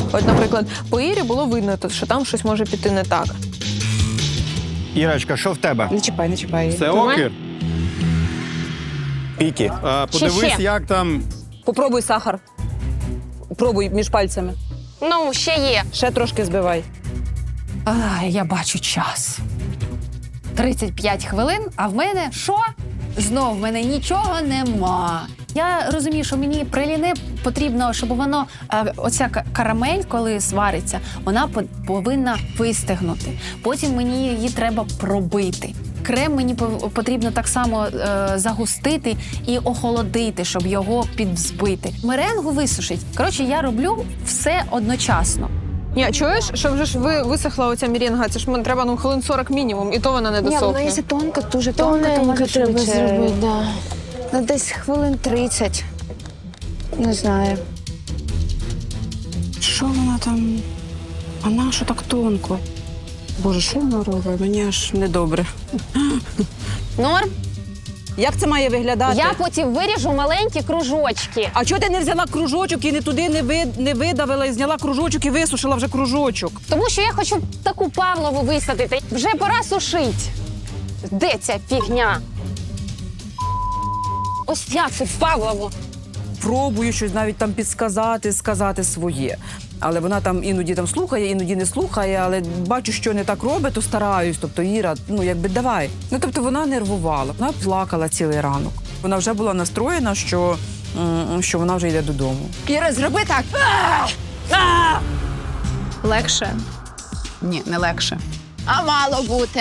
От, наприклад, по Ірі було видно, що там щось може піти не так. Ірочка, що в тебе? Не чіпай, не чіпай. Це окір? Піки. Подивись, ще. як там. Попробуй сахар. Пробуй між пальцями. Ну, ще є. Ще трошки збивай. Я бачу час. 35 хвилин, а в мене що? Знов в мене нічого нема. Я розумію, що мені праліне потрібно, щоб воно, оця карамель, коли свариться, вона повинна вистигнути. Потім мені її треба пробити. Крем мені потрібно так само загустити і охолодити, щоб його підвзбити. Меренгу висушить. Коротше, я роблю все одночасно. Ні, чуєш, що вже ж висохла оця мірінга, це ж треба хвилин 40 мінімум, і то вона не Ні, вона досохне. якщо тонка, дуже тонка, то може треба швидше. зробити, да. Ну, десь хвилин 30. Не знаю. Що вона там? А на що так тонко? Боже, що вона робить? Мені аж недобре. Норм. Як це має виглядати? Я потім виріжу маленькі кружочки. А чого ти не взяла кружочок і не туди не видавила, і зняла кружочок і висушила вже кружочок? Тому що я хочу таку Павлову висадити. Вже пора сушить. Де ця фігня? Ось як тут Павлову. Пробую щось навіть там підсказати, сказати своє. Але вона там іноді там слухає, іноді не слухає, але бачу, що не так робить, то стараюсь. Тобто, Іра, ну якби давай. Ну тобто вона нервувала, вона плакала цілий ранок. Вона вже була настроєна, що вона вже йде додому. Іра, зроби так. Легше? Ні, не легше. А мало бути.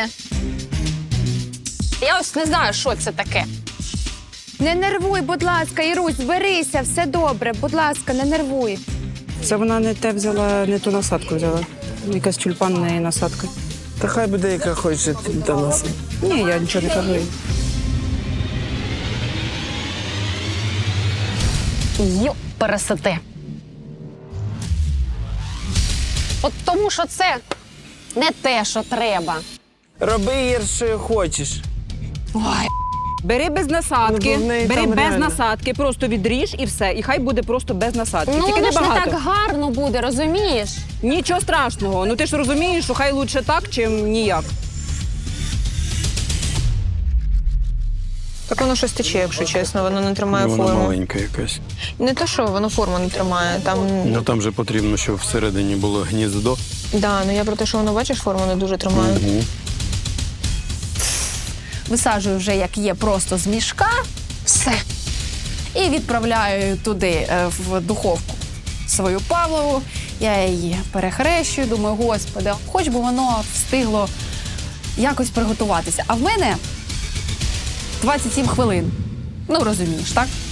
Я ось не знаю, що це таке. Не нервуй, будь ласка, Ірусь, зберися, все добре. Будь ласка, не нервуй. Це вона не те взяла, не ту насадку взяла. Якась тюльпанна насадка. Та хай буде, яка хоче до нас. Ні, я нічого не кажу. Йо, пересете. От тому, що це не те, що треба. Роби, Ір, що хочеш. Бери без насадки, Ну, в неї бери там без реально. насадки, просто відріж і все. І хай буде просто без насадки. Ну, Тільки воно ж не небагато. так гарно буде, розумієш? Нічого страшного. Ну ти ж розумієш, що хай лучше так, чим ніяк. Так воно щось тече, якщо чесно, воно не тримає Вона форму. маленька якась. Не те, що воно форму не тримає, там... Ну там же потрібно, щоб всередині було гніздо. Да, ну я про те, що воно, бачиш, форму не дуже тримає. Угу. Висаджую вже, як є, просто з мішка. Все. І відправляю туди, в духовку, свою Павлову. Я її перехрещую, думаю, господи, хоч би воно встигло якось приготуватися. А в мене 27 хвилин. Ну, розумієш, так?